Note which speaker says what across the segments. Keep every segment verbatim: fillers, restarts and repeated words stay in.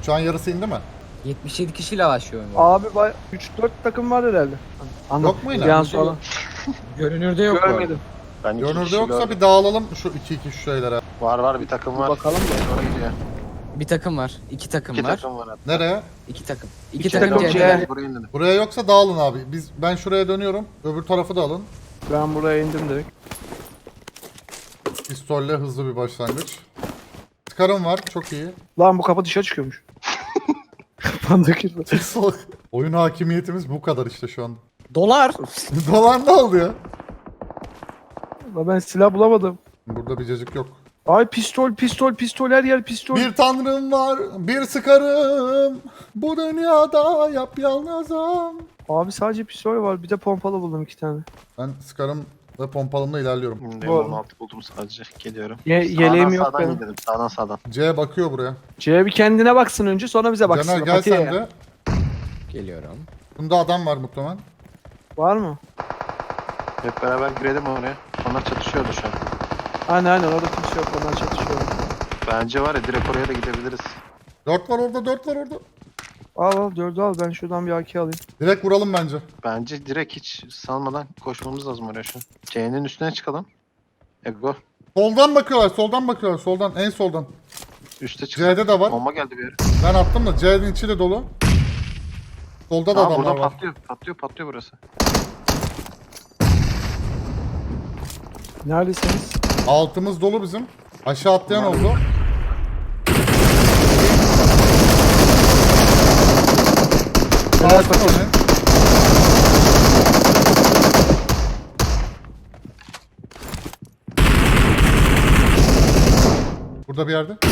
Speaker 1: Şu an yarısı indi mi?
Speaker 2: yetmiş yedi kişiyle başlıyorum.
Speaker 3: Abi üç dört takım var herhalde. Anladım.
Speaker 1: Yok mu yine?
Speaker 3: Bir an sonra.
Speaker 2: Görünürde yok bu arada.
Speaker 3: Görmedim.
Speaker 4: Ben iki
Speaker 1: Görünürde
Speaker 4: kişi
Speaker 1: yoksa
Speaker 4: gördüm.
Speaker 1: bir dağılalım şu iki iki şu şeylere.
Speaker 4: Var var bir takım var.
Speaker 3: Bakalım da.
Speaker 4: Oraya gidiyor.
Speaker 2: Bir takım var. iki takım
Speaker 4: İki
Speaker 2: var.
Speaker 4: takım var hatta.
Speaker 1: Nereye?
Speaker 2: İki takım. İki,
Speaker 3: İki
Speaker 2: takım,
Speaker 3: takım
Speaker 2: C'de.
Speaker 3: C.
Speaker 4: Buraya indim.
Speaker 1: Buraya yoksa dağılın abi. Biz ben şuraya dönüyorum. Öbür tarafı da alın.
Speaker 3: Ben buraya indim direkt.
Speaker 1: Pistolle hızlı bir başlangıç. Skarım var. Çok iyi.
Speaker 3: Lan bu kapı dışarı çıkıyormuş. Kapandaki.
Speaker 1: Oyun hakimiyetimiz bu kadar işte şu anda.
Speaker 2: Dolar.
Speaker 1: Dolan ne oldu ya?
Speaker 3: Lan ben silah bulamadım.
Speaker 1: Burada bir cacık yok.
Speaker 3: Ay pistol pistol pistol her yer pistol.
Speaker 1: Bir tanrım var, bir sıkarım. Bu dünyada yap yalnızım.
Speaker 3: Abi sadece pistol var. Bir de pompalı buldum iki tane.
Speaker 1: Ben sıkarım ve pompalımla ilerliyorum.
Speaker 4: Şimdi
Speaker 3: Bu arada.
Speaker 4: on altı buldum sadece. Geliyorum.
Speaker 3: Ye
Speaker 4: Sağdan
Speaker 3: yeleğim yok
Speaker 4: sağdan
Speaker 3: benim.
Speaker 4: gidelim. Sağdan sağdan.
Speaker 1: C bakıyor buraya.
Speaker 3: C bir kendine baksın önce sonra bize baksın.
Speaker 1: Caner gel
Speaker 3: Patiye
Speaker 1: sen
Speaker 3: ya.
Speaker 1: de.
Speaker 2: Geliyorum.
Speaker 1: Bunda adam var muhtemelen.
Speaker 3: Var mı?
Speaker 4: Hep beraber girelim oraya. Onlar çatışıyordu şu an.
Speaker 3: Aynen aynen orada kimse yok. Onlar çatışıyor.
Speaker 4: Bence var ya direkt oraya da gidebiliriz.
Speaker 1: Dört var orada, dört var orada.
Speaker 3: Al al dördü al. Ben şuradan bir A K alayım.
Speaker 1: Direkt vuralım bence.
Speaker 4: Bence direkt hiç salmadan koşmamız lazım oraya şu an. C'nin üstüne çıkalım. Ego.
Speaker 1: Soldan bakıyorlar, soldan bakıyorlar. Soldan, en soldan.
Speaker 4: Üste çık.
Speaker 1: C'de de var.
Speaker 4: Bomba geldi bir yere.
Speaker 1: Ben attım da C'nin içi de dolu. Solda da
Speaker 4: Aa
Speaker 1: adamlar
Speaker 4: buradan
Speaker 1: var.
Speaker 4: patlıyor. Patlıyor patlıyor burası.
Speaker 3: Neredesiniz?
Speaker 1: Altımız dolu bizim. Aşağı atlayan oldu.
Speaker 3: Helal
Speaker 1: Bastım onu. Burada bir yerde.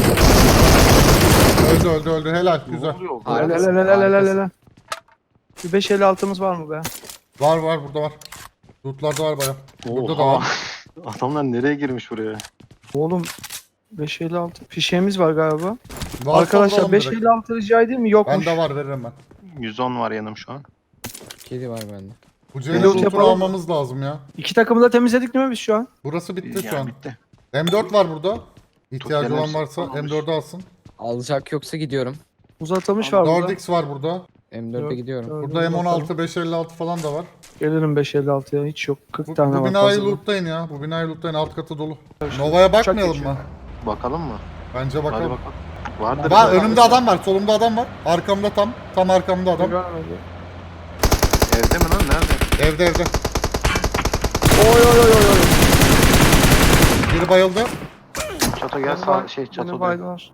Speaker 1: Öldü öldü öldü. Helal.
Speaker 4: Ne
Speaker 1: Güzel.
Speaker 4: oluyor?
Speaker 3: Helal
Speaker 2: Harikasın,
Speaker 3: helal helal helal
Speaker 2: harikasın.
Speaker 3: helal. Bir beş elli altımız var mı be?
Speaker 1: Var var burada var. Lootlarda var baya. Burada da
Speaker 4: Oha.
Speaker 1: var.
Speaker 4: Adamlar nereye girmiş buraya?
Speaker 3: Oğlum beş elli altı fişeğimiz var galiba.
Speaker 1: Varsa
Speaker 3: Arkadaşlar
Speaker 1: vuralım
Speaker 3: beş
Speaker 1: direkt.
Speaker 3: elli altı rica edeyim mi? Yokmuş.
Speaker 1: Bende var veririm ben.
Speaker 4: yüz on var yanım şu an.
Speaker 2: Kedi var bende.
Speaker 1: Bu C'nin
Speaker 3: Reload
Speaker 1: lootunu
Speaker 3: yapalım.
Speaker 1: almamız lazım ya.
Speaker 3: İki takımı da temizledik değil mi biz şu an?
Speaker 1: Burası bitti
Speaker 4: Ya,
Speaker 1: şu an.
Speaker 4: bitti.
Speaker 1: M dört var burada. İhtiyacı
Speaker 4: Tutken
Speaker 1: olan
Speaker 4: hepsi
Speaker 1: varsa
Speaker 4: kullanılmış.
Speaker 1: M dördü alsın.
Speaker 2: Alacak yoksa gidiyorum.
Speaker 3: Uzatılmış var
Speaker 1: dört
Speaker 3: burada.
Speaker 1: x var burada.
Speaker 2: M dörde
Speaker 3: Yok,
Speaker 2: gidiyorum.
Speaker 3: yok.
Speaker 1: Burada M on altı, beş elli altı falan da var.
Speaker 3: Gelirim beş elli altıya hiç yok. kırk
Speaker 1: Bu,
Speaker 3: tane
Speaker 1: bu
Speaker 3: var.
Speaker 1: binayı
Speaker 3: fazla.
Speaker 1: lootlayın ya. Bu binayı lootlayın. Alt katı dolu. Nova'ya bakmayalım
Speaker 3: geçiyor.
Speaker 1: mı?
Speaker 4: Bakalım mı?
Speaker 1: Bence
Speaker 4: Hadi
Speaker 1: bakalım.
Speaker 4: bakalım. Vardır.
Speaker 1: Var, önümde adam var. Solumda adam var. Arkamda tam. Tam arkamda adam.
Speaker 3: Görmedi.
Speaker 4: Evde mi lan? Nerede?
Speaker 1: Evde evde.
Speaker 3: Oy oy oy oy oy.
Speaker 1: Biri bayıldı.
Speaker 4: Çato gel
Speaker 3: Beni
Speaker 4: sağ
Speaker 3: bay-
Speaker 4: şey
Speaker 3: beni
Speaker 4: çato.
Speaker 3: baydılar.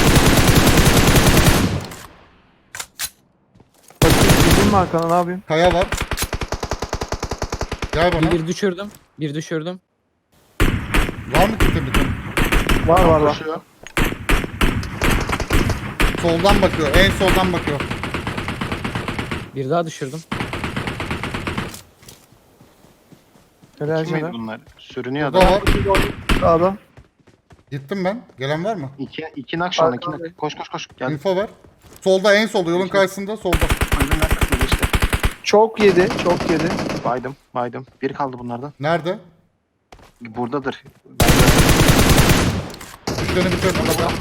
Speaker 3: Bakayım gideyim mi arkana ne yapayım?
Speaker 1: Kaya var. Gel bana.
Speaker 2: Bir, bir düşürdüm. Bir düşürdüm.
Speaker 1: Var mı kitin bitin?
Speaker 3: Var var var.
Speaker 4: Koşuyor.
Speaker 1: Soldan bakıyor. En soldan bakıyor.
Speaker 2: Bir daha düşürdüm.
Speaker 3: Helal
Speaker 4: Kim miydi
Speaker 3: Caner.
Speaker 4: bunlar? Sürünüyor
Speaker 1: Burada
Speaker 4: adam.
Speaker 1: var.
Speaker 3: Sağda.
Speaker 1: Gittim ben. Gelen var mı?
Speaker 4: İki, iki nak şu an. iki
Speaker 3: Arkada.
Speaker 4: nak. Koş koş koş. Gel.
Speaker 1: Info ver. Solda en solda. Yolun karşısında solda.
Speaker 4: Öldüm nak kısmı geçti.
Speaker 3: Çok yedi çok yedi.
Speaker 4: Baydım. Baydım. Bir kaldı bunlardan.
Speaker 1: Nerede?
Speaker 4: Buradadır.
Speaker 1: Düşlerini bitirdim.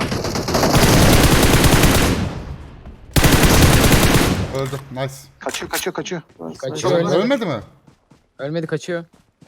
Speaker 1: Öldü. Nice.
Speaker 4: Kaçıyor kaçıyor kaçıyor.
Speaker 2: Kaçıyor.
Speaker 1: Ölmedi,
Speaker 2: Ölmedi.
Speaker 1: ölmedi mi?
Speaker 2: Ölmedi, kaçıyor.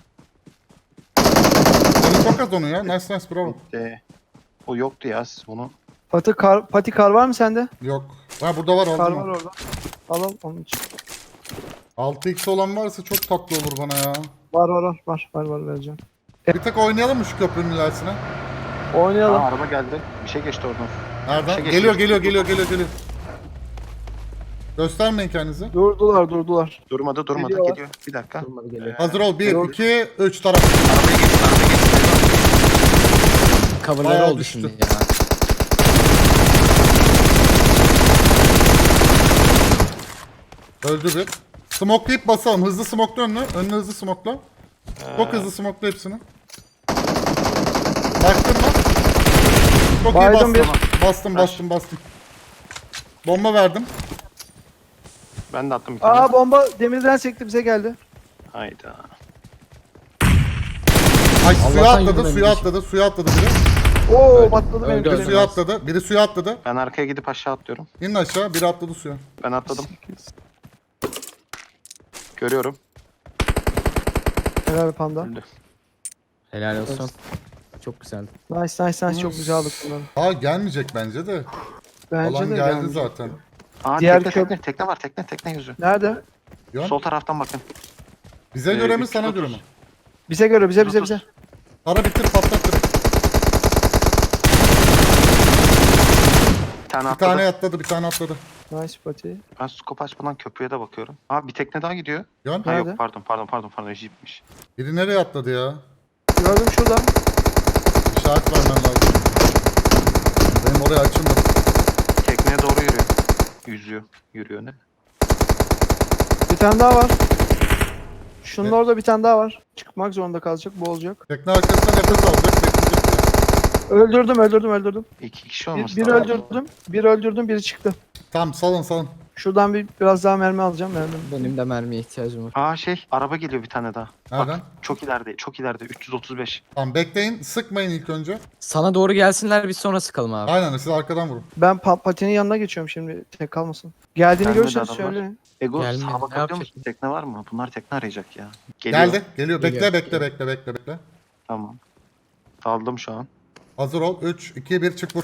Speaker 1: Canı çok az onun ya. Nice nice bravo.
Speaker 4: Bitti. O yoktu ya siz bunu.
Speaker 3: Pati kar, pati kar var mı sende?
Speaker 1: Yok. Ha burada var
Speaker 3: Kar
Speaker 1: aldım.
Speaker 3: var
Speaker 1: mı?
Speaker 3: orada. Al al onun için.
Speaker 1: altı x olan varsa çok tatlı olur bana ya.
Speaker 3: Var var var var var var vereceğim.
Speaker 1: Bir tek oynayalım mı şu köprünün ilerisine?
Speaker 3: Oynayalım.
Speaker 4: Aa, araba geldi. Bir şey geçti oradan.
Speaker 1: Nereden?
Speaker 4: Bir şey
Speaker 1: Geliyor
Speaker 4: geçti.
Speaker 1: geliyor geliyor geliyor geliyor. Göstermeyin kendinizi.
Speaker 3: Durdular durdular.
Speaker 4: Durmadı durmadı
Speaker 3: Geliyor.
Speaker 4: geliyor. Bir dakika.
Speaker 2: Durmadı, geliyor.
Speaker 1: Hazır ol. bir,
Speaker 3: Yok.
Speaker 1: iki, üç taraf.
Speaker 4: Arabaya geçti arabaya geçti.
Speaker 2: Coverları
Speaker 1: Bayağı
Speaker 2: oldu
Speaker 1: düştü.
Speaker 2: şimdi ya.
Speaker 1: Öldü bir. Smokelayıp basalım. Hızlı smokla önünü. Önünü hızlı smokla. Çok hızlı smokla hepsini. Baktın mı? Çok iyi
Speaker 3: Baydım
Speaker 1: bastım.
Speaker 3: bir.
Speaker 1: Bastım bastım bastım. Bomba verdim.
Speaker 4: Ben de attım bir tane.
Speaker 3: Aa bomba demirden sekti bize geldi.
Speaker 4: Hayda.
Speaker 1: Ay suya
Speaker 2: Allah'tan
Speaker 1: atladı,
Speaker 2: yürümemiş.
Speaker 1: suya atladı, suya atladı biri.
Speaker 3: Oo
Speaker 2: Öldü.
Speaker 3: patladı benim
Speaker 2: Öldü,
Speaker 1: Biri
Speaker 2: öldü.
Speaker 3: kalem.
Speaker 1: suya atladı. Biri suya atladı.
Speaker 4: Ben arkaya gidip aşağı atlıyorum.
Speaker 1: İnin aşağı. Biri atladı suya.
Speaker 4: Ben atladım. Görüyorum.
Speaker 3: Helal panda.
Speaker 4: Öldü.
Speaker 2: Helal olsun. Çok güzeldi.
Speaker 3: Nice nice nice çok güzel aldık bunları.
Speaker 1: Aa gelmeyecek bence de.
Speaker 3: Bence
Speaker 1: Alan
Speaker 3: de
Speaker 1: geldi
Speaker 3: gelmeyecek.
Speaker 1: zaten.
Speaker 4: Aa
Speaker 3: Diğer
Speaker 4: tekne
Speaker 3: köp-
Speaker 4: tekne. Tekne var tekne. Tekne yüzü.
Speaker 3: Nerede?
Speaker 1: Yön.
Speaker 4: Sol taraftan bakın.
Speaker 1: Bize
Speaker 4: Ee,
Speaker 1: göre mi
Speaker 4: üç yüz
Speaker 1: sana
Speaker 4: otuz.
Speaker 1: göre mi?
Speaker 3: Bize göre bize bize bize.
Speaker 1: Para bitir patlat direkt.
Speaker 4: Bir tane
Speaker 1: Bir
Speaker 4: atladı.
Speaker 1: tane atladı bir tane atladı.
Speaker 3: Nice pati.
Speaker 4: Ben scope açmadan köprüye de bakıyorum. Aa bir tekne daha gidiyor.
Speaker 1: Yön.
Speaker 4: Ha
Speaker 3: Nerede?
Speaker 4: yok pardon pardon pardon pardon jeepmiş.
Speaker 1: Biri nereye atladı ya?
Speaker 3: Gördüm şurada.
Speaker 1: İşaret vermen lazım. Benim oraya açılmadı.
Speaker 4: Tekneye doğru yürüyor. Yüzüyor. Yürüyor ne?
Speaker 3: Bir tane daha var. Şunun
Speaker 1: Evet.
Speaker 3: orada bir tane daha var. Çıkmak zorunda kalacak, boğulacak.
Speaker 1: Tekne arkasına nefes alacak bekleyecek ya.
Speaker 3: Öldürdüm, öldürdüm, öldürdüm.
Speaker 4: İki kişi
Speaker 3: Bir,
Speaker 4: olması
Speaker 3: biri
Speaker 4: lazım.
Speaker 3: öldürdüm, biri öldürdüm, biri çıktı.
Speaker 1: Tamam salın salın.
Speaker 3: Şuradan bir biraz daha mermi alacağım, mermi.
Speaker 2: Benim de mermiye ihtiyacım var.
Speaker 4: Aa şey araba geliyor bir tane daha.
Speaker 1: Nereden?
Speaker 4: Bak çok ileride çok ileride üç yüz otuz beş.
Speaker 1: Tamam bekleyin sıkmayın ilk önce.
Speaker 2: Sana doğru gelsinler biz sonra sıkalım abi.
Speaker 1: Aynen siz arkadan vurun.
Speaker 3: Ben pa- patinin yanına geçiyorum şimdi, tek kalmasın. Geldiğini
Speaker 4: Gelmedi
Speaker 3: görürseniz
Speaker 4: adamlar.
Speaker 3: söyleyin.
Speaker 4: Ego
Speaker 2: Gelmedi,
Speaker 4: sağa
Speaker 2: ne
Speaker 4: bakabiliyor
Speaker 2: yapacak?
Speaker 4: musun? Tekne var mı? Bunlar tekne arayacak ya. Geliyor.
Speaker 1: Geldi. Geliyor. Bekle
Speaker 2: Geliyor,
Speaker 1: bekle
Speaker 2: geliyor.
Speaker 1: bekle bekle bekle.
Speaker 4: Tamam. Daldım şu an.
Speaker 1: Hazır ol. üç, iki, bir çık vur.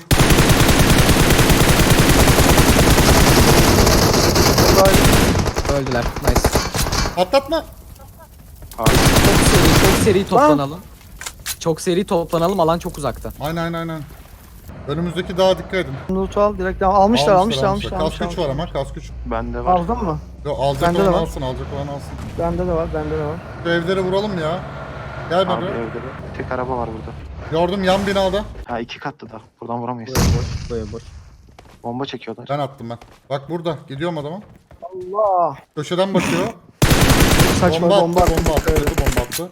Speaker 2: Öldüler. Nice.
Speaker 1: Atlatma.
Speaker 4: Abi
Speaker 2: Çok seri, çok seri toplanalım. Çok seri toplanalım. Alan çok uzakta.
Speaker 1: Aynen aynen aynen. Önümüzdeki dağa dikkat edin.
Speaker 3: Loot al, direkt al. Almışlar, almışlar, almışlar.
Speaker 1: Kask
Speaker 3: almışlar,
Speaker 1: güç var ama kask güç.
Speaker 4: bende var.
Speaker 3: Aldın mı?
Speaker 1: Yo, alacak
Speaker 3: Bende de
Speaker 1: olan
Speaker 3: var.
Speaker 1: alsın alacak olan alsın.
Speaker 3: Bende de var, bende de var.
Speaker 1: Şu evleri vuralım ya. Gel
Speaker 4: Abi
Speaker 1: bana.
Speaker 4: evde bir tek araba var burada.
Speaker 1: Gördüm yan binada.
Speaker 4: Ha iki katlı da. Buradan vuramayız.
Speaker 2: Boya boş, boya boş.
Speaker 4: Bomba çekiyorlar.
Speaker 1: Ben attım ben. Bak burada. Gidiyorum adama.
Speaker 3: Allah!
Speaker 1: Köşeden bakıyor.
Speaker 3: Saçma
Speaker 1: bomba,
Speaker 3: bomba,
Speaker 1: attı. Bomba attı.
Speaker 3: Evet.
Speaker 1: Kötü bomba attı.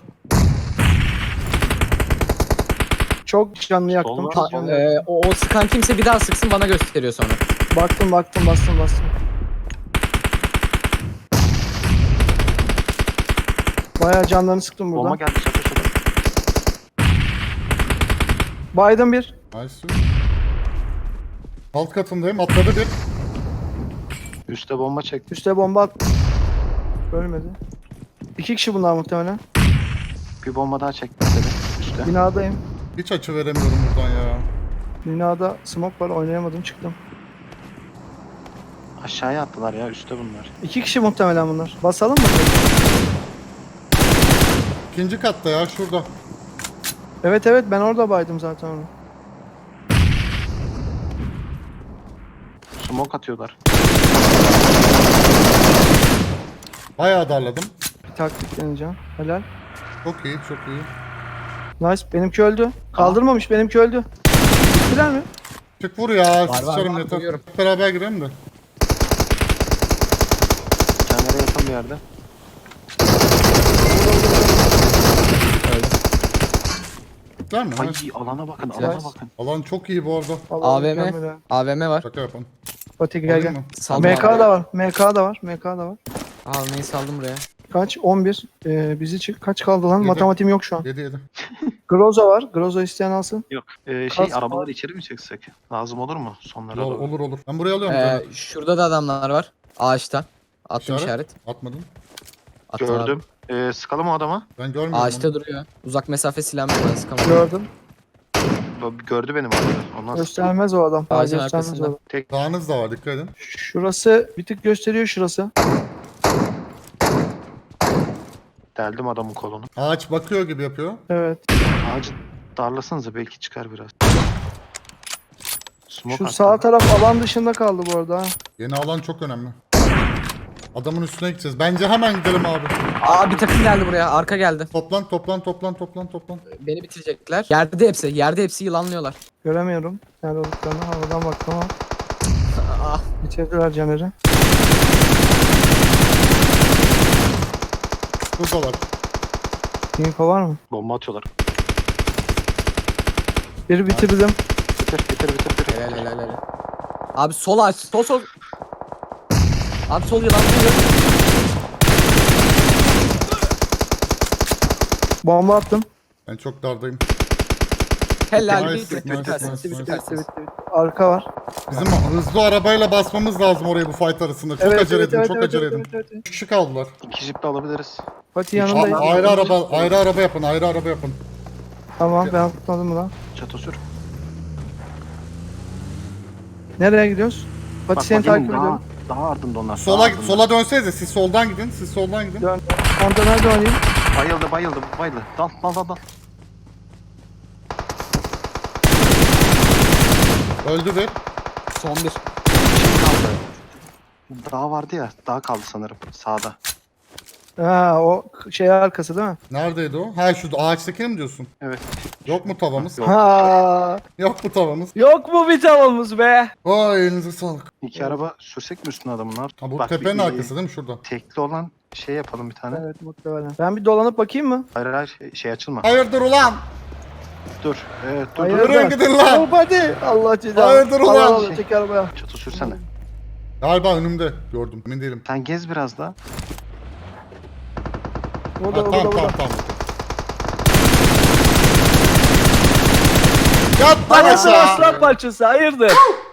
Speaker 3: Çok canlı yaktım,
Speaker 4: Solda-
Speaker 3: çok canlı yaktım.
Speaker 2: Ee, o, o sıkan kimse bir daha sıksın bana gösteriyor sonra.
Speaker 3: Baktım, baktım, bastım, bastım. Bayağı canlarını sıktım
Speaker 4: Bomba
Speaker 3: buradan.
Speaker 4: geldi şaka şaka.
Speaker 3: Baydım bir.
Speaker 1: Nice. Alt katındayım. Atladı bir.
Speaker 4: Üste bomba çekti.
Speaker 3: Üste bomba attım. Ölmedi. İki kişi bunlar muhtemelen.
Speaker 4: Bir bomba daha çekti dedi. Üste.
Speaker 3: Binadayım.
Speaker 1: Hiç açı veremiyorum buradan ya.
Speaker 3: Binada smoke var, oynayamadım, çıktım.
Speaker 4: Aşağıya attılar ya üstte bunlar.
Speaker 3: İki kişi muhtemelen bunlar. Basalım mı?
Speaker 1: İkinci katta ya şurada.
Speaker 3: Evet evet, ben orada baydım zaten onu.
Speaker 4: Smoke atıyorlar.
Speaker 1: Bayağı darladım.
Speaker 3: Bir taktik deneyeceğim. Helal.
Speaker 1: Çok iyi çok iyi.
Speaker 3: Nice. Benimki öldü. Kaldırmamış, benimki öldü. Bittiler mi?
Speaker 1: Çık vur ya.
Speaker 2: var,
Speaker 1: Sıçarım
Speaker 2: var,
Speaker 1: yeter.
Speaker 2: biliyorum.
Speaker 1: Hep beraber girelim de.
Speaker 4: Kendine yakın bir yerde.
Speaker 2: Öldü.
Speaker 1: Güzel mi?
Speaker 4: Ay
Speaker 1: Ha?
Speaker 4: alana bakın
Speaker 2: Güzel.
Speaker 4: alana bakın.
Speaker 1: Alan çok iyi bu arada.
Speaker 3: Vallahi
Speaker 2: A V M.
Speaker 3: mükemmel ha.
Speaker 2: A V M var.
Speaker 1: Şaka yapın.
Speaker 3: Fatih gel
Speaker 1: Alayım
Speaker 3: gel.
Speaker 1: mı?
Speaker 2: Saldım
Speaker 3: M K
Speaker 2: abi.
Speaker 3: da var. M K da var. M K da var.
Speaker 2: Almayı saldım buraya.
Speaker 3: Kaç? on bir. Ee, bizi çık. Kaç kaldı lan?
Speaker 1: Yedi.
Speaker 3: Matematiğim yok şu an.
Speaker 1: yedi yedi.
Speaker 3: Groza var. Groza isteyen alsın.
Speaker 4: Yok. Ee, şey
Speaker 3: Kas-
Speaker 4: arabaları içeri mi çeksek? Lazım olur mu? Sonlara
Speaker 1: Olur,
Speaker 4: doğru.
Speaker 1: olur olur. Ben buraya alıyorum
Speaker 2: Ee,
Speaker 1: zaten.
Speaker 2: şurada da adamlar var. Ağaçta. Attım
Speaker 1: İşaret.
Speaker 2: işaret.
Speaker 1: Atmadın.
Speaker 2: Attım abi.
Speaker 4: Gördüm. Ee, sıkalım o adama.
Speaker 1: Ben görmüyorum onu.
Speaker 2: Ağaçta duruyor. Uzak mesafe silahım var. Sıkamam.
Speaker 3: Gördüm.
Speaker 4: Bu- Gördü benim arada. Ondan sıktım.
Speaker 3: Göstermez o adam. Daha
Speaker 2: Ağacın
Speaker 3: göstermez o
Speaker 2: arkasında.
Speaker 3: adam.
Speaker 4: Tek
Speaker 1: Dağınız da var dikkat edin.
Speaker 3: Şurası bir tık gösteriyor şurası.
Speaker 4: deldim adamın kolunu.
Speaker 1: Ağaç bakıyor gibi yapıyor.
Speaker 3: Evet.
Speaker 4: Ağacı darlasanıza belki çıkar biraz. Smoke
Speaker 3: Şu
Speaker 4: attı.
Speaker 3: sağ taraf alan dışında kaldı bu arada. ha.
Speaker 1: Yeni alan çok önemli. Adamın üstüne gideceğiz. Bence hemen gidelim abi.
Speaker 2: Aa bir takım geldi buraya. Arka geldi.
Speaker 1: Toplan toplan toplan toplan toplan.
Speaker 2: Beni bitirecekler. Yerde hepsi. Yerde hepsi yılanlıyorlar.
Speaker 3: Göremiyorum. Nerede olduklarını havadan baktım ama.
Speaker 2: Ah.
Speaker 3: Bitirdiler Caner'i.
Speaker 1: Buradalar.
Speaker 3: Info var mı?
Speaker 4: Bomba atıyorlar.
Speaker 3: Biri bitirdim.
Speaker 4: Bitir bitir bitir bitir.
Speaker 2: Helal helal helal. Abi sol aç. Sol sol. Abi sol yılanlıyor.
Speaker 3: Bomba attım.
Speaker 1: Ben çok dardayım.
Speaker 2: Helal
Speaker 1: Nice,
Speaker 2: bitti bitti
Speaker 1: nice,
Speaker 2: bitti.
Speaker 1: nice,
Speaker 2: Bitti
Speaker 1: nice.
Speaker 2: bitti
Speaker 3: Bitti bitti bitti. Arka var.
Speaker 1: Bizim hızlı arabayla basmamız lazım orayı bu fight arasında. Çok
Speaker 3: Evet,
Speaker 1: acele
Speaker 3: evet,
Speaker 1: edin,
Speaker 3: evet,
Speaker 1: çok
Speaker 3: evet,
Speaker 1: acele
Speaker 3: evet,
Speaker 1: edin.
Speaker 3: evet, evet.
Speaker 1: Üç kişi kaldılar.
Speaker 4: İki jip de alabiliriz.
Speaker 3: Fatih
Speaker 1: A-
Speaker 3: yanındayım.
Speaker 1: ayrı araba, ayrı araba yapın, ayrı araba yapın.
Speaker 3: Tamam ben tutmadım lan.
Speaker 4: Çatı sür.
Speaker 3: Nereye gidiyoruz? Fatih
Speaker 4: Bak
Speaker 3: seni
Speaker 4: bak
Speaker 3: takip
Speaker 4: yemin daha,
Speaker 3: ediyorum.
Speaker 4: daha ardında onlar. daha
Speaker 1: Sola
Speaker 4: ardında.
Speaker 1: sola dönsenize, siz soldan gidin, siz soldan gidin.
Speaker 3: Dön. Kontana döneyim.
Speaker 4: Bayıldı bayıldı bayıldı. Dal dal dal dal.
Speaker 1: Öldü bir.
Speaker 2: Son bir.
Speaker 4: Şimdi kaldı. Dağ vardı ya. Dağ kaldı sanırım sağda.
Speaker 3: Ha o şey arkası değil mi?
Speaker 1: Neredeydi o? Ha şu ağaçtakini mi diyorsun?
Speaker 4: Evet.
Speaker 1: Yok mu tavamız?
Speaker 4: Yok.
Speaker 3: Ha.
Speaker 1: Yok mu tavamız?
Speaker 3: Yok mu bir tavamız be?
Speaker 1: Vay elinize sağlık.
Speaker 4: İki araba sürsek mi üstüne adamın? Ne
Speaker 1: Ha bu
Speaker 4: Bak,
Speaker 1: tepenin
Speaker 4: bir-
Speaker 1: arkası değil mi şurada?
Speaker 4: Tekli olan şey yapalım bir tane.
Speaker 3: Evet muhtemelen. Ben bir dolanıp bakayım mı?
Speaker 4: Hayır hayır şey, şey açılma.
Speaker 1: Hayırdır ulan?
Speaker 4: Dur. Evet dur
Speaker 3: Hayır.
Speaker 4: dur.
Speaker 1: Durun gidin lan.
Speaker 3: Hop hadi. Allah cezanı.
Speaker 1: Hayırdır ulan?
Speaker 3: Allah Allah çek arabaya.
Speaker 4: Çatı sürsene.
Speaker 1: Galiba önümde gördüm. Emin değilim.
Speaker 4: Sen gez biraz daha.
Speaker 3: Burada
Speaker 1: Ha,
Speaker 3: burada
Speaker 1: tamam
Speaker 3: burada.
Speaker 1: tamam tamam. Yat lan
Speaker 3: Hayırdır
Speaker 1: aşağı.
Speaker 3: aslan parçası hayırdır?